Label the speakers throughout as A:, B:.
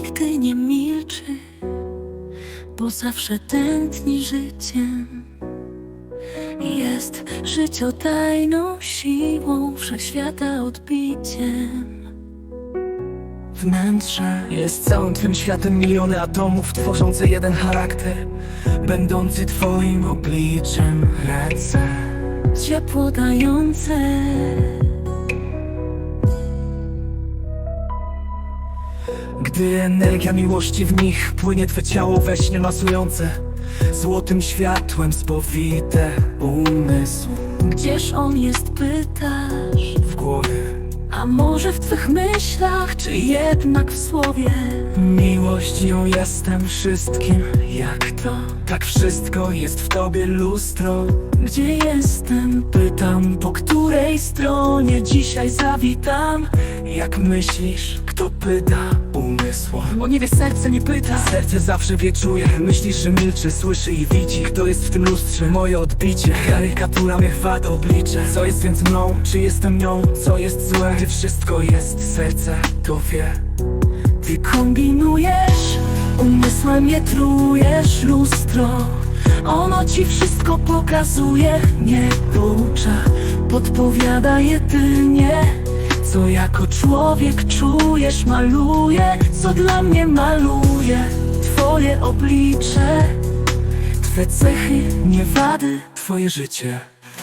A: nigdy nie milczy, bo zawsze tętni życiem. Jest życiodajną siłą, wszechświata odbiciem.
B: Wnętrze jest całym twym światem, miliony atomów tworzące jeden charakter, będący twoim obliczem. Ręce
A: Ciepło dające,
B: gdy energia miłości w nich płynie, twe ciało we śnie masujące, złotym światłem spowite umysł.
A: gdzież on jest, pytasz?
B: W głowie
A: A może w twych myślach, czy jednak w słowie?
B: miłość, ją jestem wszystkim. Jak to? Tak wszystko jest w tobie lustro.
A: Gdzie jestem?
B: Pytam, po której stronie dzisiaj zawitam. Jak myślisz, kto pyta? Umysł. Bo nie wie, serce nie pyta. Serce zawsze wie, czuje. Myślisz, że milczy, słyszy i widzi. Kto jest w tym lustrze? Moje odbicie. Karykatura mnie chwat oblicze. Co jest więc mną? Czy jestem nią? Co jest złe? Gdy wszystko jest, serce to wie.
A: Ty kombinujesz, umysłem je trujesz, lustro. Ono ci wszystko pokazuje, nie poucza, podpowiada jedynie. Co jako człowiek czujesz, maluje, co dla mnie maluje. Twoje oblicze, twe cechy, nie wady,
B: Twoje życie.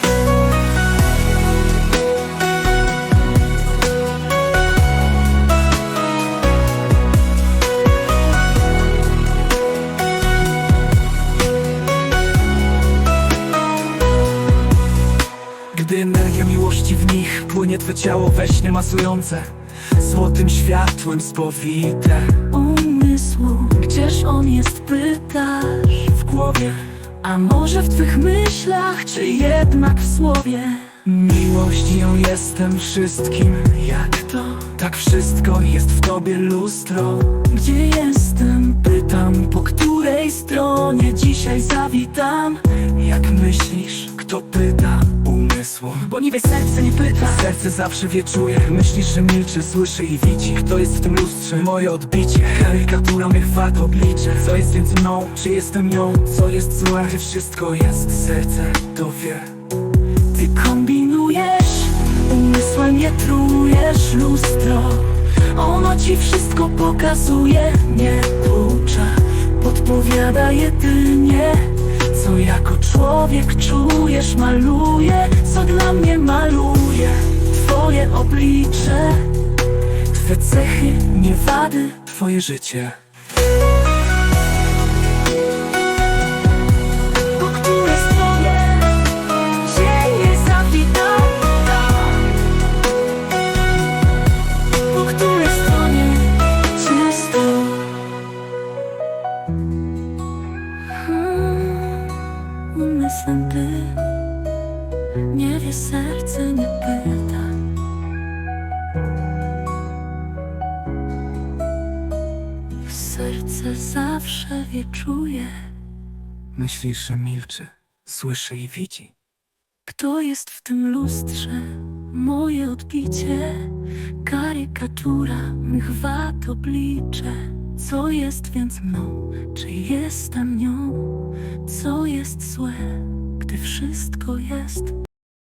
B: Gdy energia miłości w nich płynie, twe ciało we śnie masujące, złotym światłem spowite
A: umysłu. Gdzież on jest, pytasz?
B: w głowie.
A: A może w twych myślach, czy jednak w słowie?
B: Miłość, ją jestem wszystkim. Jak to? Tak wszystko jest w tobie lustro.
A: Gdzie jestem?
B: Pytam, po której stronie dzisiaj zawitam. Jak myślisz, kto pyta? Umysł. Bo nie wie, serce nie pyta. Serce zawsze wie, czuje. Myślisz, że milczy, słyszy i widzi. Kto jest w tym lustrze? Moje odbicie. Karykatura mnie chwat oblicze. Co jest więc mną? Czy jestem nią? Co jest złe? Gdy wszystko jest, serce to wie.
A: Ty kombinujesz, umysłem je trujesz, lustro. Ono ci wszystko pokazuje, nie poucza, podpowiada jedynie. Co jako człowiek czujesz, maluje, co dla mnie maluje. Twoje oblicze, twe cechy, nie wady,
B: Twoje życie.
A: po której stronie dzień jest zawitany. Po której stronie czysto. Umysłem ty, nie wie, serce nie pyta. Serce zawsze wie, czuje.
B: Myślisz, że milczy, słyszy i widzi.
A: Kto jest w tym lustrze? Moje odbicie, karykatura mych wad oblicze. Co jest więc mną? Czy jestem nią? Co jest złe, gdy wszystko jest?